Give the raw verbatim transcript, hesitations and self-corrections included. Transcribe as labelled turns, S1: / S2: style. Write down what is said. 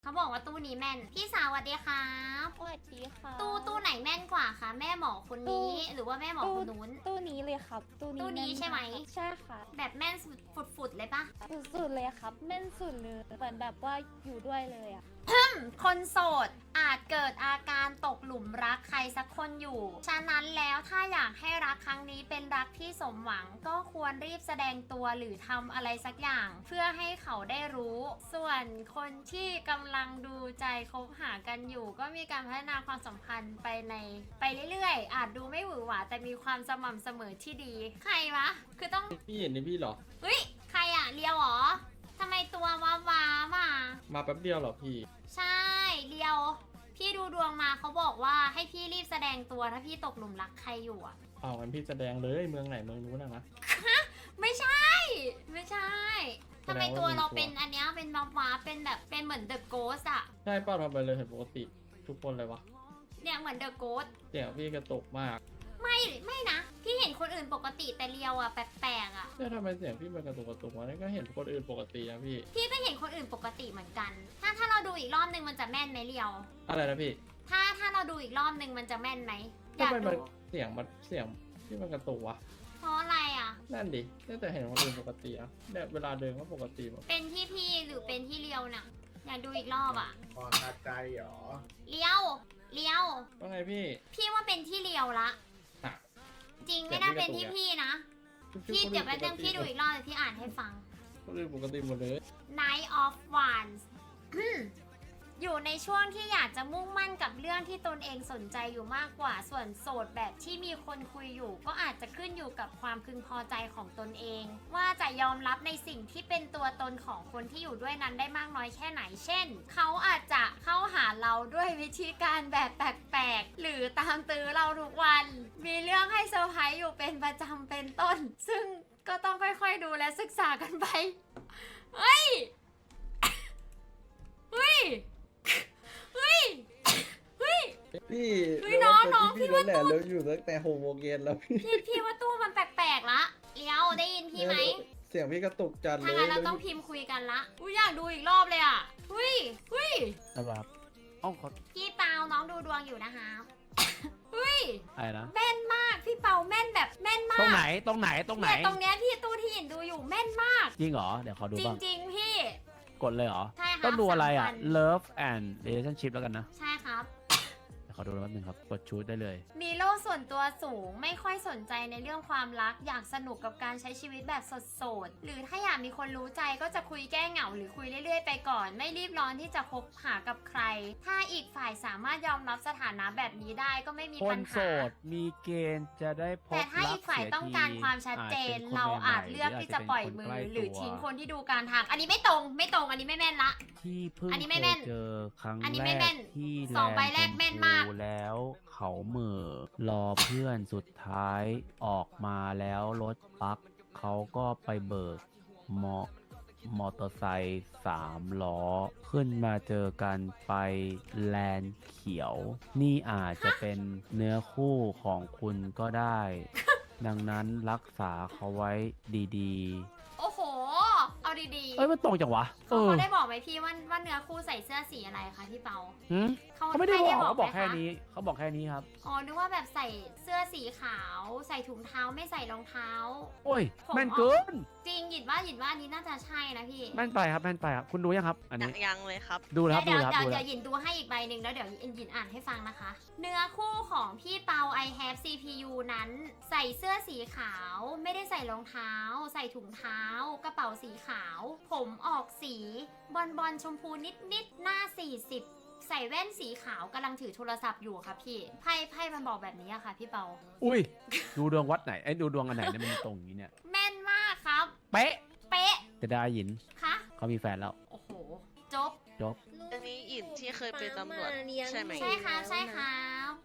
S1: เขาบอกว่าตู้นี้แม่นพี่สาวสวัสดีครับ
S2: สวัสดีค่ะ
S1: ตู้ตู้ไหนแม่นกว่าคะแม่หมอคนนี้หรือว่าแม่หมอคนนู้น
S2: ตู้นี้เลยครับตู้นี้
S1: ตู้นี้ใช่ไหม
S2: ใช่ค่ะ
S1: แบบแม่นฝุดๆเลยปะ
S2: สุดๆเลยครับแม่นสุดเลยเหมือนแบบว่าอยู่ด้วยเลยอ่ะ
S1: คนโสดอาจเกิดอาการตกหลุมรักใครสักคนอยู่ ฉะนั้นแล้วถ้าอยากให้รักครั้งนี้เป็นรักที่สมหวังก็ควรรีบแสดงตัวหรือทำอะไรสักอย่าง เพื่อให้เขาได้รู้ ส่วนคนที่กำลังดูใจคบหากันอยู่ ก็มีการพัฒนาความสัมพันธ์ไปในไปเรื่อยๆ อาจดูไม่หวือหวาแต่มีความสม่ำเสมอที่ดี ใครวะคือต้อง
S3: พี่เห็นนี่พี่เหรอ
S1: เฮ้ยใครอะเลียวเหรอทำไมตัวว้าวามา
S3: มาแป๊บเดียวเหรอพี่
S1: ใช่เลียวพี่ดูดวงมาเขาบอกว่าให้พี่รีบแสดงตัวถ้าพี่ตกหลุมรักใครอยู่อ่ะ
S3: อ้าวงั้นพี่แสดงเลยเมืองไหนเมืองนู้นนะนะ
S1: ไม่ใช่ ไม่ใช่ทำไมตัวเราเป็นอันเนี้ยเป็นว้าวาเป็นแบบเป็นเหมือนเดอะโกสอะ
S3: ใช่ป้าทำไปเลยเห็นปกติทุกคนเลยวะ
S1: เนี่ยเหมือนเดอะโกส
S3: เสียงพี่กระตุกมาก
S1: ไม่ไม่นะพี่เห็นคนอื่นปกติแต่เลียวอะแปลกๆอะ
S3: เนี่ยทำไมเสียงพี่มันกระตุกกระตุกวะนี่ก็เห็นคนอื่นปกตินะพี่
S1: พี่ก็เห็นคนอื่นปกติเหมือนกัน ถ้าถ้าเราดูอีกรอบนึงมันจะแม่นไหมเลียว
S3: อะไรนะพี่
S1: ถ้าถ้าเราดูอีกรอบนึงมันจะแม่นไหม
S3: อยากดูเสียงมันเสียงที่มันกระตุกวะ
S1: เพราะอะไรอ่ะ
S3: นั่นดิแต่เห็นคนอื่นปกติอะเนี่ยเวลาเดินก็ปกติหมด
S1: เป็นที่พี่หรือเป็นที่เลียวน่ะอยากดูอีกรอบอ่ะ
S4: พอคาใจหรอ
S1: เลียวเลียว
S3: ว่าไงพี่
S1: พี่ว่าเป็นที่เลียวละจริงไม่น่าเป็นที่พี่นะพี่เดี๋ยวแป๊บนึงพี่ดูอีกรอบเดี๋ยวพี่อ่านให้ฟัง
S3: คนอื่นปกติหมดเลย
S1: Night of Wands อยู่ในช่วงที่อยากจะมุ่งมั่นกับเรื่องที่ตนเองสนใจอยู่มากกว่าส่วนโสดแบบที่มีคนคุยอยู่ก็อาจจะขึ้นอยู่กับความพึงพอใจของตนเองว่าจะยอมรับในสิ่งที่เป็นตัวตนของคนที่อยู่ด้วยนั้นได้มากน้อยแค่ไหนเช่นเขาอาจจะเข้าหาเราด้วยวิธีการแบบแปลกๆหรือตามตื้อเราทุกวันมีเรื่องให้เซอร์ไพรส์อยู่เป็นประจำเป็นต้นซึ่งก็ต้องค่อยๆดูและศึกษากันไปเฮ้ยเฮ้ยเฮ้ยเฮ้ย
S3: พี่
S1: พี่น้องน้องพี่ว่าตู้
S3: เราอยู่ตั้งแต่หกโมงเย็นแล้วพี่
S1: พี่พี่ว่าตู้มันแปลกๆละเลี้ยวได้ยินพี่ไหม
S3: เสียงพี่กระตุกจัดเลย
S1: ถ้างั้นเราต้องพิมพ์คุยกันละอุ้ยอยากดูอีกรอบเลยอ่ะเฮ้ยเฮ้ย
S5: ครับอ้าวขอ
S1: พี่เปาน้องดูดวงอยู่นะคะเฮ้ย
S5: อะไรนะ
S1: แม่นมากพี่เปาแม่นแบบแม่นมาก
S5: ตรงไหนตรงไหนตรงไหน
S1: ตรงเนี้ยพี่ตู้ที่เห็นดูอยู่แม่นมาก
S5: จริงเหรอเดี๋ยวขอดูบ้าง
S1: จริงๆพี่
S5: กดเลยเหรอ
S1: ใช่ค่ะ
S5: ต้องดูอะไรอ่ะ Love and Relationship แล้วกันนะ
S1: ใช่ครับ
S5: ขอดูแป๊บนึงครับกดชูดได้เลย
S1: มีโลกส่วนตัวสูงไม่ค่อยสนใจในเรื่องความรักอยากสนุกกับการใช้ชีวิตแบบสดๆหรือถ้าอยากมีคนรู้ใจก็จะคุยแก้เหงาหรือคุยเรื่อยๆไปก่อนไม่รีบร้อนที่จะคบหากับใครถ้าอีกฝ่ายสามารถยอมรับสถานะแบบนี้ได้ก็ไม่มีปัญหา
S5: คนโสดมีเกณฑ์จะได้พบ
S1: แต่ถ้าอีกฝ่ายต้องการความชัดเจนเราอาจเลือกที่จะปล่อยมือหรือทิ้งคนที่ดูการทางอันนี้ไม่ตรงไม่ตรงอันนี้ไม่แม่นละ
S5: ที่เพิ่งเจอครั้งแรกที่
S1: สองใบแรกแม่นมาก
S5: แล้วเขาเหม่อรอเพื่อนสุดท้ายออกมาแล้วรถปักเขาก็ไปเบิกมอมอเตอร์ไซค์สามล้อขึ้นมาเจอกันไปแลนด์เขียวนี่อาจจะเป็นเนื้อคู่ของคุณก็ได้ ดังนั้นรักษาเขาไว้ดีๆ
S1: โอ้โหเอาดีๆ
S5: เอ้ยมันตรงจังวะ
S1: เขาเขาได้บอกไหมพี่ว่าว่าเนื้อคู่ใส่เสื้อสีอะไรคะพี่เปา
S5: เขาไม่ได้บอกเขาบอกแค่นี้เขาบอกแค่นี้ครับ
S1: อ๋อนึกว่าแบบใส่เสื้อสีขาวใส่ถุงเท้าไม่ใส่รองเท้า
S5: โอ้ยแม่นเกิน
S1: จริงหยิดว่าหยิดว่าอันนี้น่าจะใช่นะพี่
S5: แม่นไปครับแม่นไปครับคุณดูยังครับอันนี้
S6: ยังเลยครับ
S5: ดูแล้วดูแล้ว
S1: เดี๋ยวเดี๋ยวหยินดูให้อีกใบหนึ่งแล้วเดี๋ยวหยินอ่านให้ฟังนะคะเนื้อคู่ของพี่เปา I have ซี พี ยู นั้นใส่เสื้อสีขาวไม่ได้ใส่รองเท้าใส่ถุงเท้ากระเป๋าสีขาวผมออกสีบอลบอลชมพูนิดนิดหน้าสี่สิบใส่แว่นสีขาวกำลังถือโทรศัพท์อยู่ค่ะพี่ไพ่ไพ่มันบอกแบบนี้อะค่ะพี่เปา
S5: อุ้ยดูดวงวัดไหนไอ้ดูดวงอันไหนเนี่ยมันตรงนี้เนี่ย
S1: แม่นมากครับ
S5: เป๊ะ
S1: เป๊ะ
S5: แต่ได้ยิน
S1: คะ
S5: เขามีแฟนแล้ว
S1: โอ้โหจบ
S5: จบ
S6: อันนี้อินที่เคยเป็นตำรวจใช่ไหม
S1: ใช่ค่ะใช่ค่ะ